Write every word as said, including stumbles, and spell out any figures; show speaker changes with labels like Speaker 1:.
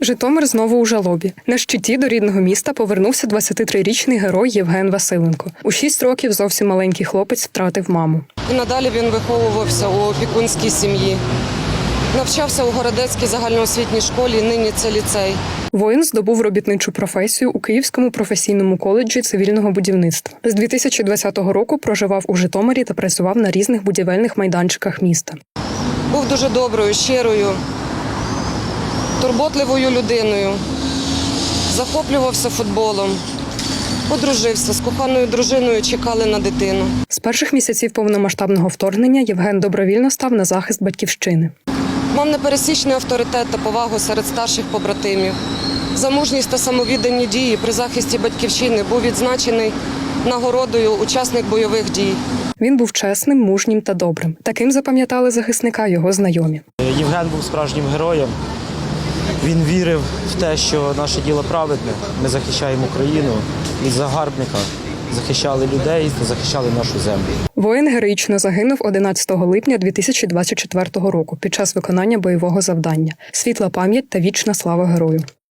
Speaker 1: Житомир знову у жалобі. На щиті до рідного міста повернувся двадцятитрирічний герой Євген Василенко. У шість років зовсім маленький хлопець втратив маму.
Speaker 2: І надалі він виховувався у опікунській сім'ї. Навчався у Городецькій загальноосвітній школі, нині це ліцей.
Speaker 1: Воїн здобув робітничу професію у Київському професійному коледжі цивільного будівництва. З дві тисячі двадцятого року проживав у Житомирі та працював на різних будівельних майданчиках міста.
Speaker 2: Був дуже доброю, щирою, турботливою людиною. Захоплювався футболом. Одружився, з коханою дружиною чекали на дитину.
Speaker 1: З перших місяців повномасштабного вторгнення Євген добровільно став на захист батьківщини.
Speaker 2: Мав непересічний авторитет та повагу серед старших побратимів. За мужність та самовіддані дії при захисті батьківщини був відзначений нагородою учасник бойових дій.
Speaker 1: Він був чесним, мужнім та добрим. Таким запам'ятали захисника його знайомі.
Speaker 3: Євген був справжнім героєм. Він вірив в те, що наше діло праведне. Ми захищаємо Україну від загарбника, захищали людей та захищали нашу землю.
Speaker 1: Воїн героїчно загинув одинадцятого липня дві тисячі двадцять четвертого року під час виконання бойового завдання. Світла пам'ять та вічна слава герою.